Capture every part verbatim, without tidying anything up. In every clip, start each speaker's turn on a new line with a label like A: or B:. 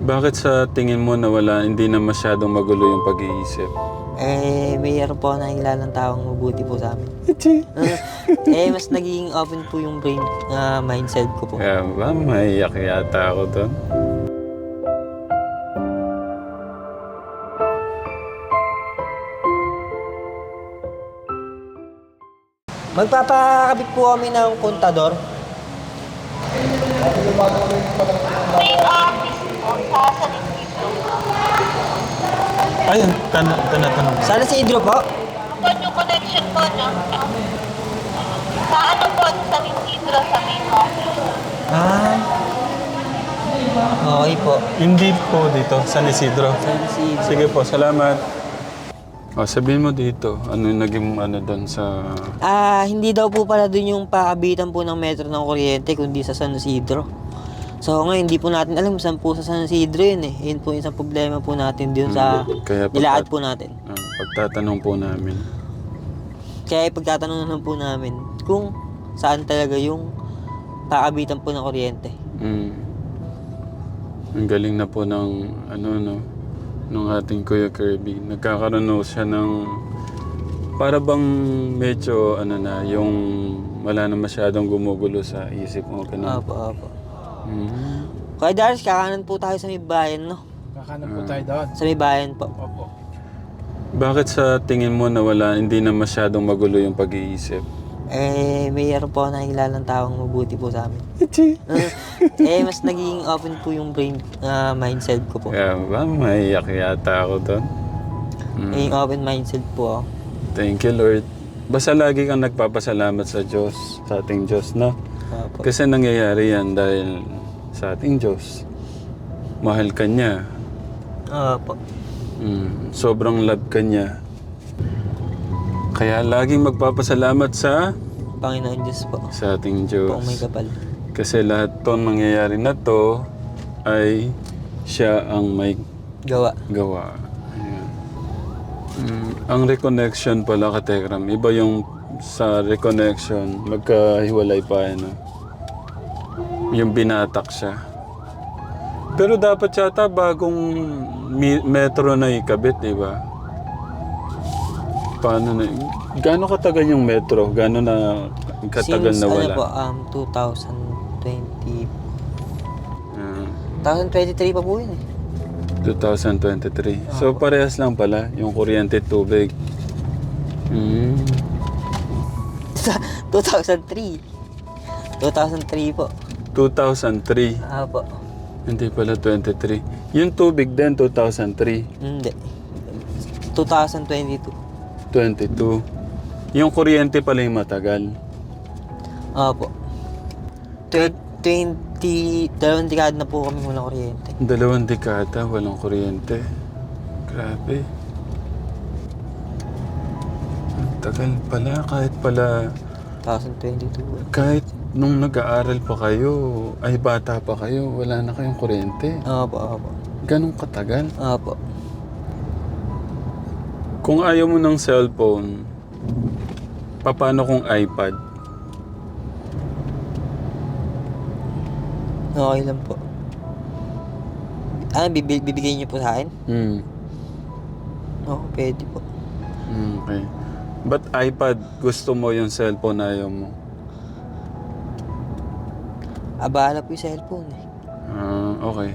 A: Bakit sa tingin mo na wala, hindi na masyadong magulo yung pag-iisip?
B: Eh, mayroon po ako nakikilalang taong mabuti po sa amin. Uh, eh, mas naging open po yung brain, uh, mindset ko po.
A: Kaya ba, maiyak yata ako doon.
B: Magpapakabit po kami ng kontador.
C: May office po sa San Isidro.
A: Ayun, tan- tanatanong.
B: Sana si Idro po.
C: Po yung connection po, no? Sa ano po, sa San Isidro, sa main office.
B: Ah. Okay po.
A: Hindi po dito, San Isidro.
B: Sana si Idro.
A: Sige po, salamat. O, sabihin mo dito, ano yung naging ano doon sa...
B: Ah, hindi daw po pala dun yung paabitan po ng metro ng kuryente, kundi sa San Isidro. So ngayon, hindi po natin alam saan po sa San Isidro yun eh. Yun po yung isang problema po natin dun sa
A: Hmm, kaya pagka-
B: nilaad po natin.
A: Ah, pagtatanong po namin.
B: Kaya pagtatanong naman po namin kung saan talaga yung paabitan po ng kuryente.
A: Mm. Ang galing na po ng ano no nung ating Kuya Kirby. Nagkakaroon na siya ng para bang medyo ano na yung wala na masyadong gumugulo sa isip mo ganun.
B: Opo, opo.
A: Mm.
B: Kaya Darius, kakanan po tayo sa may bayan, no?
D: Kakanan po tayo doon.
B: Sa may bayan po.
D: Opo.
A: Bakit sa tingin mo na wala hindi na masyadong magulo yung pag-iisip?
B: Eh, mayroon po ako nakikilalang taong mabuti po sa amin. Uh, eh, mas naging open po yung brain, uh, mindset ko po.
A: Kaya ba, maiyak yata ako doon. Mm.
B: Naging open mindset po ako.
A: Thank you, Lord. Basta lagi kang nagpapasalamat sa Diyos, sa ating Diyos, no?
B: Opo.
A: Kasi nangyayari yan dahil sa ating Diyos. Mahal ka niya.
B: Opo.
A: Mm, sobrang love ka niya. Kaya laging magpapasalamat sa
B: Panginoon Diyos po.
A: sa ating
B: Po may
A: Diyos.
B: kapal.
A: Kasi lahat to nangyayari na to ay siya ang may
B: Gawa.
A: gawa. Ayan. Mm, ang reconnection pala ka Tekram, iba yung sa reconnection, magkahiwalay pa ano. Yung binatak siya. Pero dapat yata bagong mi- metro na ikabit, di ba? Paano na? Gaano katagal yung metro? Gaano na katagal
B: Since
A: na
B: ano
A: wala?
B: po, um, twenty twenty,
A: Ah,
B: twenty twenty-three pa po yun eh.
A: twenty twenty-three. So parehas lang pala yung kuryente at tubig. Mm.
B: two thousand three. two thousand three po.
A: two thousand three.
B: Ah po.
A: Hindi pala twenty-three. Yung tubig din two thousand three.
B: Hindi. twenty twenty-two.
A: twenty-two. Yung kuryente pala yung matagal.
B: Opo. twenty, dalawang dekada na po kami walang kuryente.
A: Dalawang dekada walang kuryente. Grabe. Ang tagal pala. Kahit pala,
B: twenty twenty-two.
A: kahit nung nag-aaral pa kayo, ay bata pa kayo, wala na kayong kuryente.
B: Opo, opo.
A: Ganong katagal.
B: Opo.
A: Kung ayaw mo ng cellphone, paano kung iPad?
B: Okay lang po. Ano, bibi- bibigay niyo po sa akin?
A: Hmm.
B: Oo, pwede po.
A: Hmm, okay. But iPad, gusto mo yung cellphone, ayaw mo?
B: Abala po yung cellphone eh.
A: Ah, okay.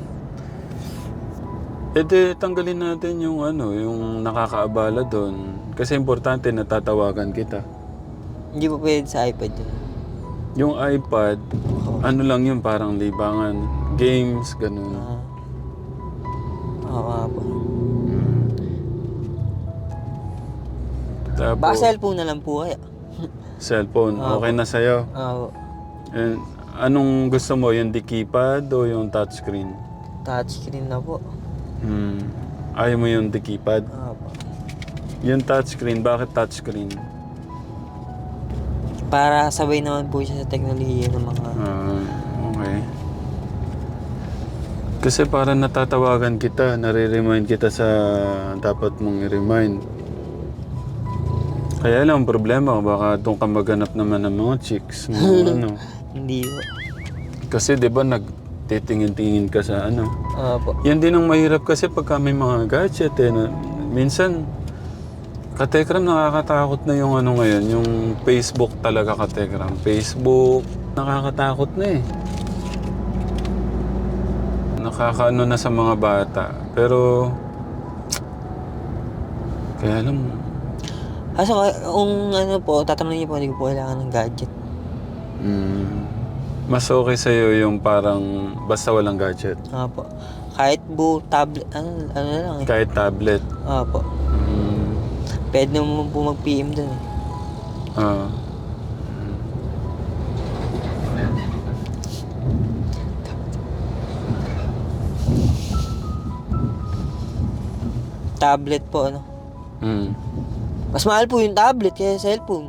A: E di, tanggalin natin yung ano, yung nakakaabala doon. Kasi importante natatawagan kita.
B: Hindi po pwede sa iPad yun.
A: Yung iPad, ano lang yun, parang libangan. Games, ganun.
B: Ah. Oo nga po.
A: Tapos,
B: Baka cellphone na lang po kaya.
A: cellphone,
B: Ah,
A: okay na sa'yo.
B: Oo.
A: And, anong gusto mo, yung di keypad o yung touchscreen?
B: Touchscreen na po.
A: Hmm. Ayaw mo yung di keypad?
B: Opo.
A: Yung touchscreen, bakit touchscreen?
B: Para sabay naman po siya sa teknolohiya ng mga...
A: Ah, okay. Kasi para natatawagan kita, nare-remind kita sa dapat mong i-remind. Kaya lang ang problema, baka doon ka maghanap naman ng mga chicks. Mga ano.
B: Hindi po.
A: Kasi 'di ba nag titingin-tingin ka sa ano.
B: Opo.
A: Yan din ang mahirap kasi pagka may mga gadget eh. Na, minsan, katekram nakakatakot na yung ano ngayon, yung Facebook talaga katekram. Facebook, nakakatakot na eh. Nakakaano na sa mga bata. Pero, kaya alam mo,
B: Kaso kung ano po, tatanungin niyo po, hindi ko po kailangan ng gadget.
A: mm, mas okay sa'yo yung parang basta walang gadget.
B: Opo. Kahit bu, tablet, ano, ano na lang eh.
A: Kahit tablet.
B: Opo.
A: Mm,
B: Pwede naman po mag-P M dun eh.
A: ah.
B: Tablet po, ano.
A: Mm.
B: Mas mahal po yung tablet kaya cellphone.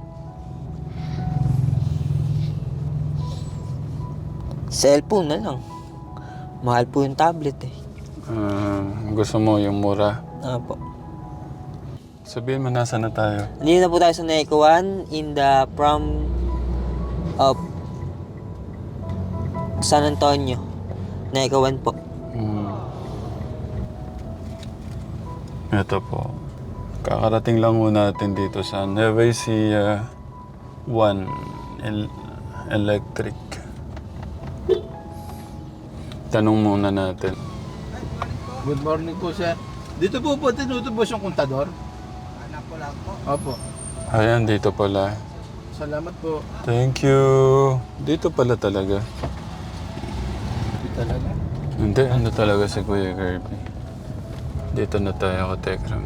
B: Cellphone na lang. Mahal po yung tablet eh.
A: Ah, gusto mo yung mura.
B: Opo.
A: Sabihin mo, nasa na tayo?
B: Nandito na po tayo sa Neco one in the prom of San Antonio. Neco one po.
A: Hmm. Ito po. Kakarating lang muna natin dito sa Nueva Ecija one El- Electric. Tanong muna natin.
D: Good morning po, sir. Dito po po tinutubos yung kontador? Anak ko lang po. Opo.
A: Ayan, dito pala.
D: Salamat po.
A: Thank you. Dito pala talaga.
D: Dito talaga.
A: Hindi, ano talaga si Kuya Kirby. Dito na tayo, Katekram.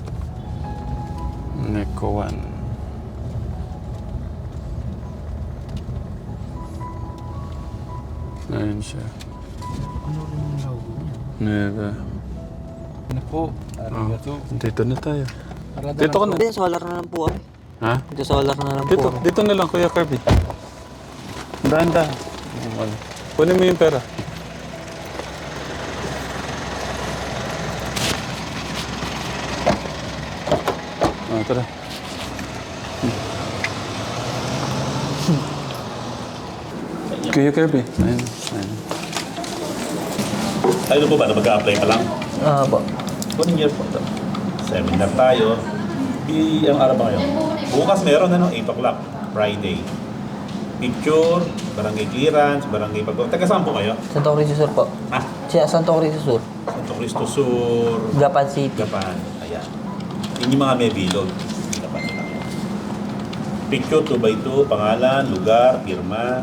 A: Neco one. Ayan siya.
D: Ano rin yung logo niya?
A: Nueva.
D: Ano po?
A: Oh,
D: Arigato.
A: dito na tayo.
D: Arada
A: Dito ka
D: lang
A: na.
B: Dito solar na lang po kami.
A: Ha?
B: Dito solar na lang
A: Dito,
B: po kami.
A: dito na lang, Kuya Kirby. Dahan-dahan. Kunin mo yung pera. Ah, tara. Kuya Kirby. Ayun. Ayun.
E: Tayo po ba na mag-a-apply pa lang?
B: Opo.
E: One year po ito. Seminar tayo. I, ang araw ba ngayon? Bukas meron ano, eight o'clock, Friday. Picture, barangay clearance, barangay pag... Taga saan po kayo?
B: Santo Cristo Sur po.
E: Ah,
B: Siya, Santo Cristo Sur.
E: Santo Cristo Sur,
B: Gapan City.
E: Gapan. Ayan. Yun yung mga may bilog. Gapan nila. Picture two by two, pangalan, lugar, pirma.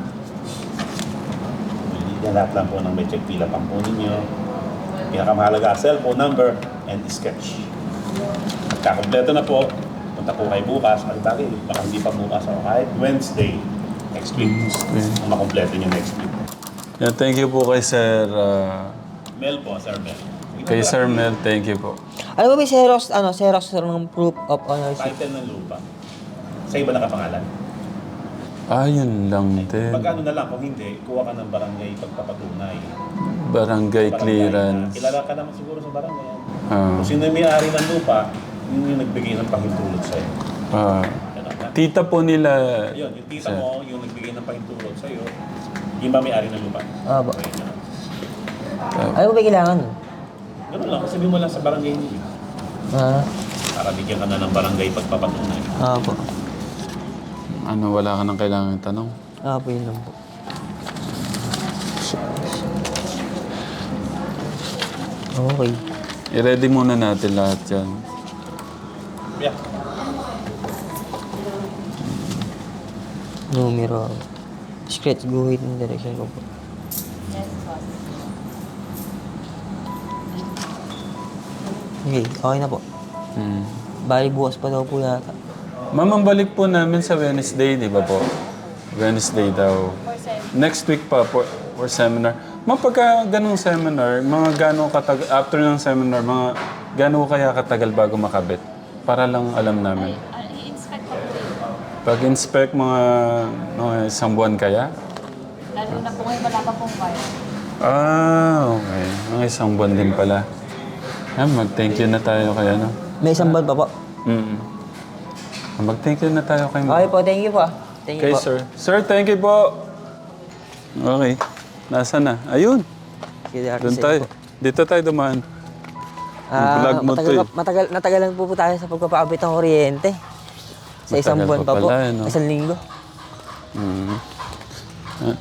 E: Yan lahat lang po ng may check pila pang po ninyo. Pinakamahalaga, cellphone number and sketch. At kakompleto na po, punta po kayo bukas. Ang tagi, baka hindi pa bukas o kahit Wednesday next week.
A: Wednesday.
E: Ang makompleto nyo next week.
A: Yeah, thank you po kay Sir... ah,
E: Mel po, Sir Mel.
A: kay Sir Mel, thank you po.
B: Ano ba may Xerox, ano, Xerox sir ng proof of ownership?
E: Title ng lupa. Sa iba nakapangalan.
A: Ah, yun lang din.
E: Pag ano na lang, kung hindi, kuha ka ng barangay pagpapatunay.
A: Barangay
E: Barangay
A: clearance.
E: na- Kilala ka naman siguro sa barangay.
A: Ah,
E: Kung sino yung may-ari ng lupa, yun yung nagbigay ng pahintulot sa'yo.
A: ah,
E: Ganun na.
A: tita po nila...
E: Ayun, yung tita
A: Sir.
E: mo, yung nagbigay ng pahintulot sa'yo, yung ba may-ari ng lupa?
B: Opo.
E: Okay, ganun.
B: Ano ba kailangan?
E: Ganun lang, sabihin mo lang sa barangay niyo.
B: Ah,
E: Para bigyan ka na ng barangay pagpapatunay.
B: opo.
A: Ano, wala ka nang kailangan tanong?
B: Opo, yun lang po. Okay.
A: I-ready muna natin lahat yan.
E: Yeah.
B: Numero. Scratch, guhit ng direction ko po. Okay, okay na po.
A: Hmm.
B: Bali bukas pa daw po yata.
A: Ma'am, ang balik po namin sa Wednesday, di ba po? Wednesday daw. Next week pa for, for seminar. Ma'am, pagka ganong seminar, mga gano'ng katagal, after ng seminar, mga gano'ng kaya katagal bago makabit? Para lang alam namin.
C: I-inspect ko po yun.
A: Pag-inspect mga, mga isang buwan kaya?
C: Lalo na po ngayon wala pa pong wire.
A: Ah, okay. Mga isang buwan din pala. Ah, mag-thank you na tayo kay ano.
B: May isang buwan pa po.
A: Mm. Mag-thank you na tayo kay
B: Okay po, thank you po. ah. Thank you
A: Kay
B: po.
A: sir. Sir, thank you po. Okay. Nasaan na? Ayun.
B: Kaya
A: Doon tayo. Dito tayo dumaan.
B: Ah,
A: Vlog mo
B: matagal,
A: to eh.
B: matagal, natagalan po po tayo sa pagpapaabit ng kuryente. Sa isang
A: Matagal
B: buwan
A: pa
B: pa po.
A: pala, eh, no?
B: Isang linggo.
A: Mm. Ah.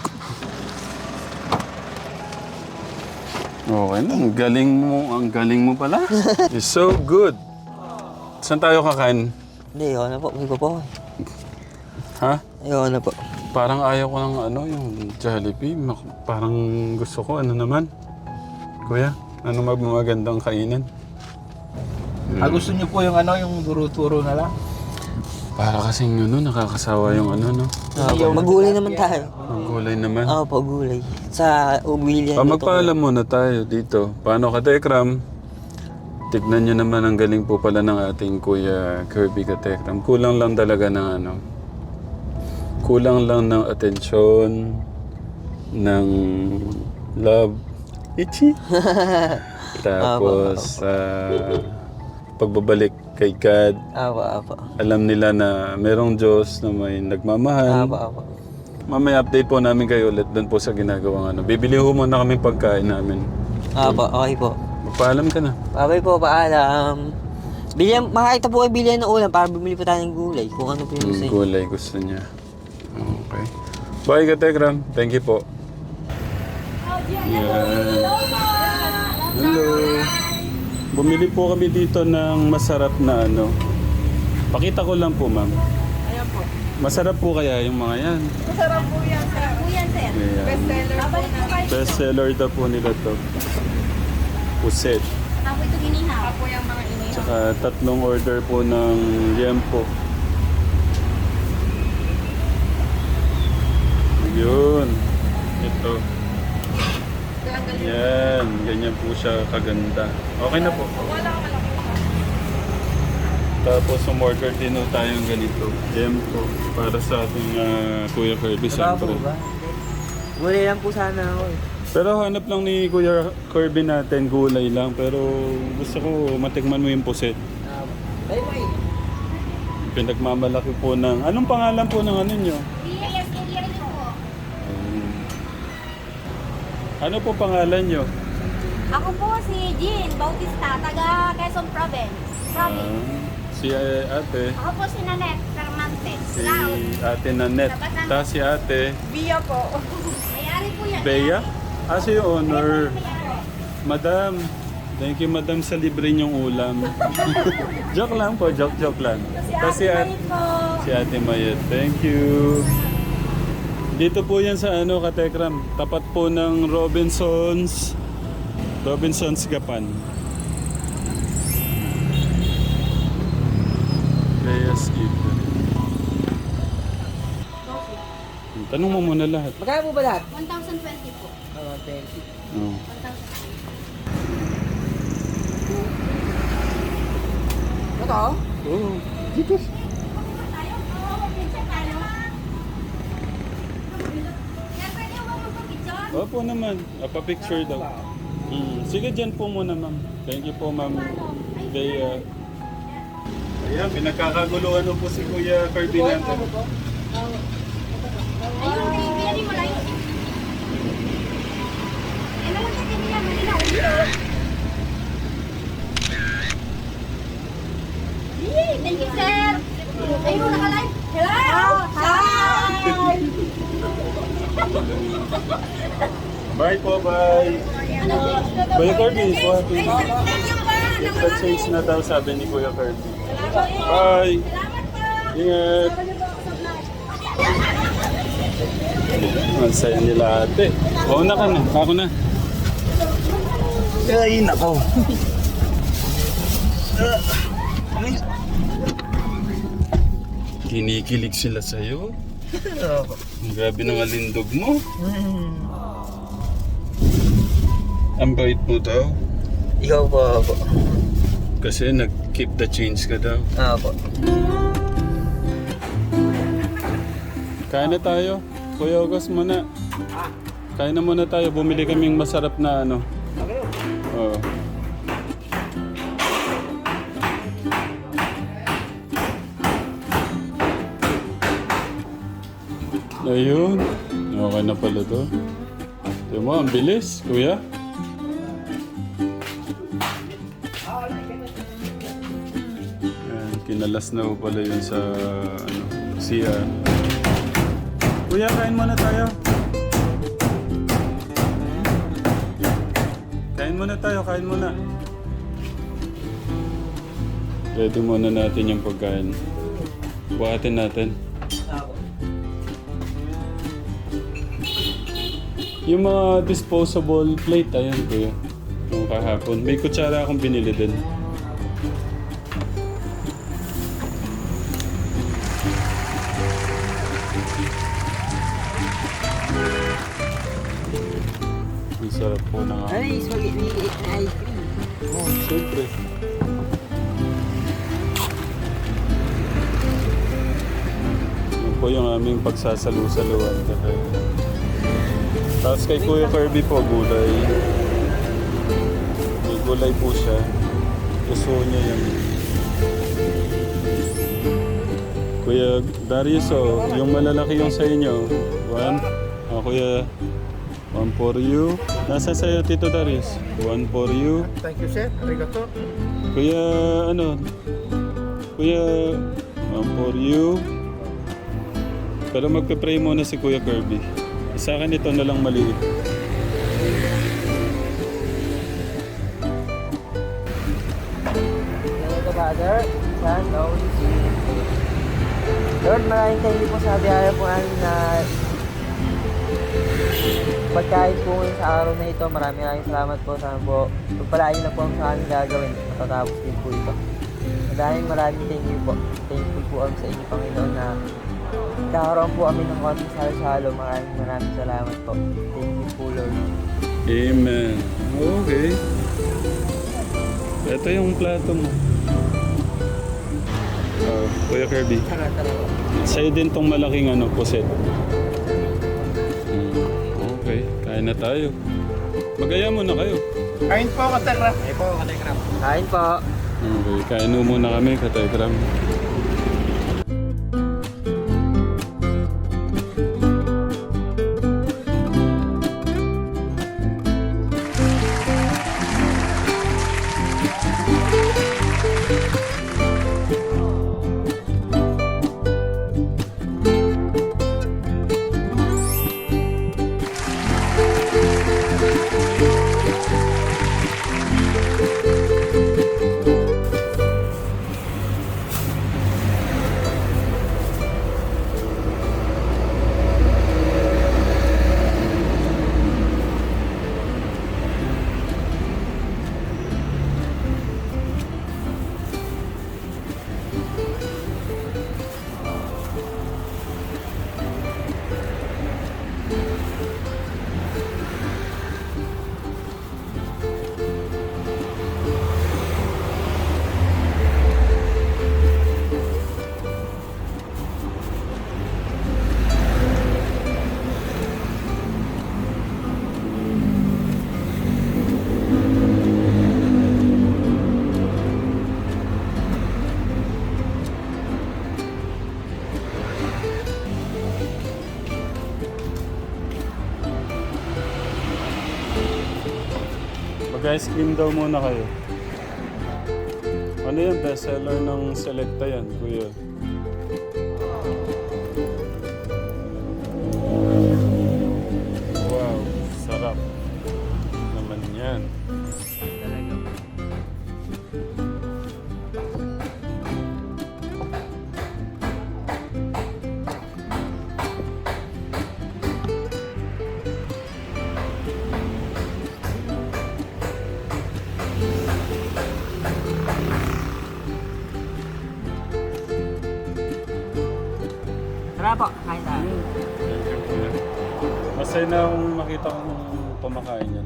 A: Okay na, ang galing mo, ang galing mo pala. It's so good. Saan tayo kakain?
B: Hindi, ayaw na po. Hindi ko po.
A: Ha?
B: Ayaw na po.
A: Parang ayaw ko ng ano, yung Jollibee. Mak- Parang gusto ko, ano naman? Kuya, ano mag magandang kainin?
D: Ah, gusto niyo po yung ano, yung duro-turo na lang?
A: Para kasing ano, nakakasawa yung ano, no?
B: Ah, po, magulay naman tayo.
A: Ang gulay naman.
B: Oo po, gulay. Sa Uwillian.
A: Pa, magpaalam muna tayo dito. Paano ka, Tekram? Tignan nyo naman ang galing po pala ng ating Kuya Kirby Katekram. Kulang lang talaga ng ano. Kulang lang ng atensyon, ng love. Ichi. Tapos, ah, pagbabalik kay God.
B: Apo, apo.
A: Alam nila na merong Diyos na may nagmamahal.
B: Apo, apo.
A: Mamaya update po namin kayo ulit doon po sa ginagawang ano. Bibili ho muna kami pagkain namin.
B: Apo, okay po.
A: Magpaalam ka na.
B: Okay po, paalam. Bilyan, makakita po kayo bilyan ng ulam para bumili po tayo ng gulay. Kung ano po yung gusto
A: Yung
B: niyo.
A: gulay gusto niya. Okay. Bye, Katekram. Thank you po. Yan. Hello. Bumili po kami dito ng masarap na ano. Pakita ko lang po, ma'am.
F: Ayan po.
A: Masarap po kaya yung mga yan.
F: Masarap po yan, sir. Po yan, sir.
A: Ayan.
F: Bestseller po na.
A: Best seller daw po nila to. Puset.
F: Ako ito ginihaw. Ako yung mga inihaw.
A: Tsaka tatlong order po ng liempo. Yun. Ito. Yan. Ganyan po siya kaganda. Okay na po. Tapos umorder din po tayong ganito. Liempo. Para sa ating ah, Kuya Kirby.
B: Diba po
A: Siyempre.
B: ba? Gulay lang po sana ako eh.
A: Pero hanap lang ni Kuya Kirby natin gulay lang. Pero gusto ko matikman mo yung puset.
B: Bye bye.
A: Pinagmamalaki po ng... Anong pangalan po ng ano nyo?
F: Yes, yes po.
A: Um, ano po pangalan nyo?
F: Ako po si Jean Bautista, taga Quezon Province. Province.
A: Ah, si eh, ate.
F: Ako po si Nanette Fermantes.
A: Si
F: Laos.
A: ate Nanette. Tapos si ate
F: Bia po. Mayari po yan.
A: Bea. Ah, si owner. Madam. Thank you, madam, sa libre niyong ulam. Joke lang po, joke, joke lang. Tapos si ate,
F: po.
A: si ate Mayet. Thank you. Dito po yan sa ano, Katekram. Tapat po ng Robinsons. Robinsons Gapan. Reyes Eater. Tanong mo muna lahat.
B: Magkano po ba lahat?
F: one thousand twenty po.
B: Oh, thank you.
A: Oh.
F: one thousand twenty.
B: Ito?
A: Oh.
F: Tayo? Oo, picture tayo. Sir, pwede mo magpapicture?
A: Opo naman. Apa-picture daw. Mm. Sige, dyan po muna, ma'am. Thank you po, ma'am. Bea. Ayan, pinagkakaguluhan po si Kuya Kirby natin.
F: Ayun, pinili mo lang yun. Eh, naman ka kiniya, malinaw. Yee, thank you, sir. Ayun, nakalive. Hello! Hi!
A: Bye po, bye.
F: Ano,
A: Kuya Kirby, po.
F: Ay, sir, thank you pa.
A: Sa change na daw, sabi ni Kuya Kirby. Bye.
F: Salamat po.
A: Ingat. Ang saya nila ate. Oo na ka na. Ako na.
D: Ay, nako.
A: Kinikilig sila sa'yo. Ang grabe ng alindog mo. Ang bait mo daw.
B: Ikaw po ako.
A: Kasi nag-keep the change ka daw.
B: Apo.
A: Kain na tayo. Kuya August muna. Kain na muna tayo. Bumili kaming masarap na ano. Oo. Ayun. Okay na pala to. Yung mo, ang bilis, kuya. Ayan, kinalas na po pala yun sa ano, C R. Kuya, kain muna tayo. Kain muna tayo, kain muna. Ready muna natin yung pagkain. Buhatin natin. Yung mga disposable plate, ayan kuya. Yung kahapon. May kutsara akong binili din. Ang sarap po ng
B: Ay, spaghetti na ice cream.
A: Oh, siyempre. Yan po yung aming pagsasalu-saluan. Tapos kay Kuya Kirby po, gulay. May gulay po siya. Gusto niya yan. Kuya Darius, oh, yung malalaki yung sa inyo. One. Oh, Kuya, one for you. Nasa sa'yo, Tito Darius? One for you.
D: Thank you, sir. Arigato.
A: Kuya, ano? Kuya, one for you. Pero magpe-pray muna si Kuya Kirby. Sa akin ito na lang maliit.
B: Thank you, Father, Son, Holy Spirit. Lord, maraming thank you po sa biyaya po namin na pagkain po ngayon sa araw na ito. Maraming maraming salamat po. Sana po pagpalain na po ang sa aming gagawin. Matatapos din po ito. Maraming maraming thank you po. Thankful po kami sa inyo, Panginoon, na kakaroon po kami ng konting salo-salo. Maraming maraming salamat po. Thank you po, Lord.
A: Amen. Okay. Ito yung plato mo. Oh, Kuya Kirby.
B: Tara, tara po.
A: Sa'yo din tong malaking ano, puset. Hmm. Okay, kain na tayo. Magaya muna kayo.
D: Kain po, Katekram.
B: Kain po, Katekram. Kain po.
A: Okay, kain mo muna kami, Katekram. Mag-ice cream daw muna kayo. Ano yan? Bestseller ng Selecta yan, kuya. Wow, sarap. Naman yan.
B: Talaga po. Tara po, kain tayo.
A: Thank you, kuya. Masaya na akong makita kong pumakain yan.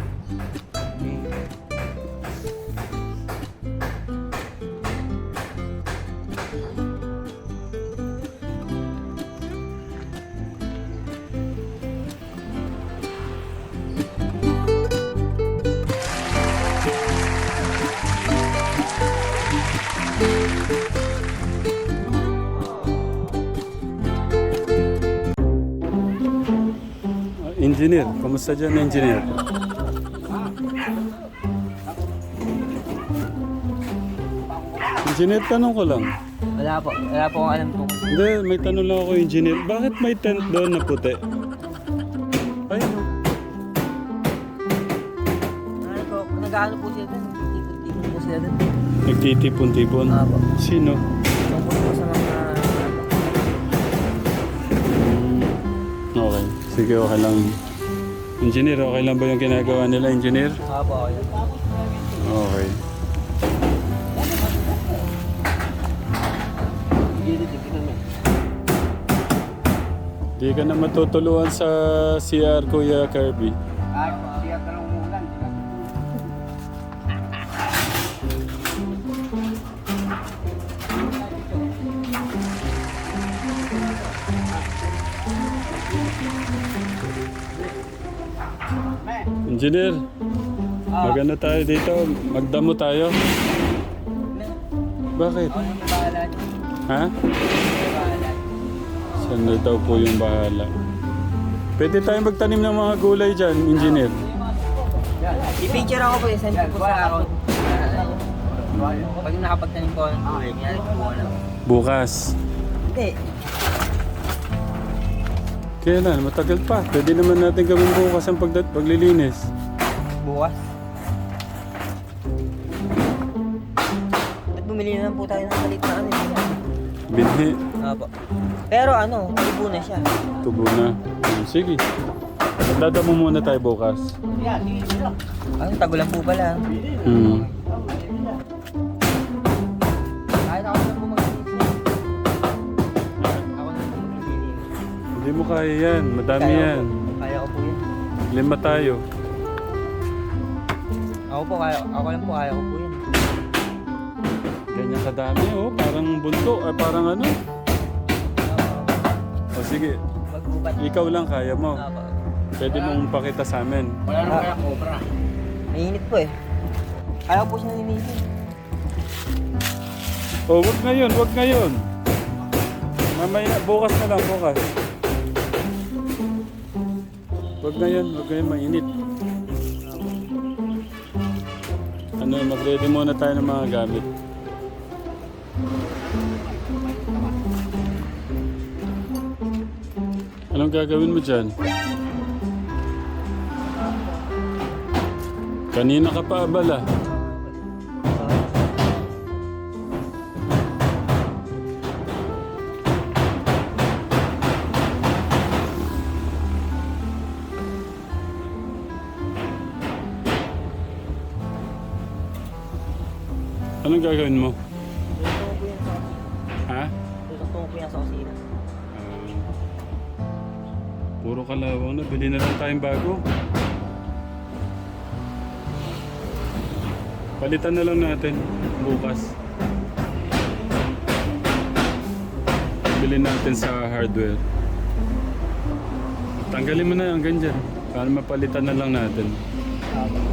A: Engineer, kumusta dyan, engineer? Engineer, tanong ko lang.
B: Wala po. Wala po akong alam kung
A: Hindi, may tanong lang ako, engineer. Bakit may tent doon na puti? Ay, no.
B: ano po. Nag-ano po sila doon. Tipon-tipon po sila doon.
A: Nagtitipon-tipon.
B: Apo.
A: Sino?
B: Tungkol po sa mga...
A: Hmm, okay. Sige, okay lang. Engineer, okay lang ba yung ginagawa nila, engineer?
B: Apo, okay.
A: Okay. Di ka na matutuluan sa C R, Kuya Kirby. Engineer, magano tayo dito? Magdamo tayo? Bakit?
B: Ako yung bahala.
A: Ha?
B: Bahala.
A: Saan na daw po yung bahala? Pwede tayong magtanim ng mga gulay dyan, engineer.
B: I-picture ako po, i-send ko po sa account. Pag nakapagtanim po, nangyari po ko lang.
A: Bukas.
B: Hindi.
A: Kailan? Matagal pa. Pwede naman natin gawin bukas ang pagdat paglilinis.
B: Bukas. At bumili na lang po tayo ng malit na ano. eh.
A: Binhi.
B: Apo. Pero ano, ibo na siya.
A: Tubo na. Hmm, sige. Magdadamo muna tayo bukas.
B: Ano, tagulan po pala.
A: Hmm.
B: Kahit ako na po mag-iisip. Ako na po mag-iisip.
A: Hindi mo kaya yan. Madami
B: Kaya
A: yan.
B: ko po. Kaya ko po yun.
A: Lima tayo.
B: Ako po, kaya, ako lang po, kaya ko po yun.
A: Ganyan kadami oh. Parang bunto. Ay parang ano. O sige.
B: Magbukat.
A: Ikaw lang kaya mo.
B: Apo.
A: Pwede mong pakita sa amin.
B: Wala naman kaya cobra. Mainit po eh. Kaya ko po siya nilinisin.
A: Oh, wag ngayon. Wag ngayon. Mamaya. Bukas na lang. Bukas. Wag ngayon. Wag ngayon. Mainit. Ano, mag-ready muna tayo ng mga gamit. Anong gagawin mo dyan? Kanina ka pa abala. Anong gagawin mo?
B: Tutok po yan sa
A: Ha?
B: Tutok po yan sa kusina.
A: Ah, puro kalawang na. Bili na lang tayong bago. Palitan na lang natin bukas. Bilhin natin sa hardware. Tanggalin mo na ang ganyan para mapalitan na lang natin.
B: Apo.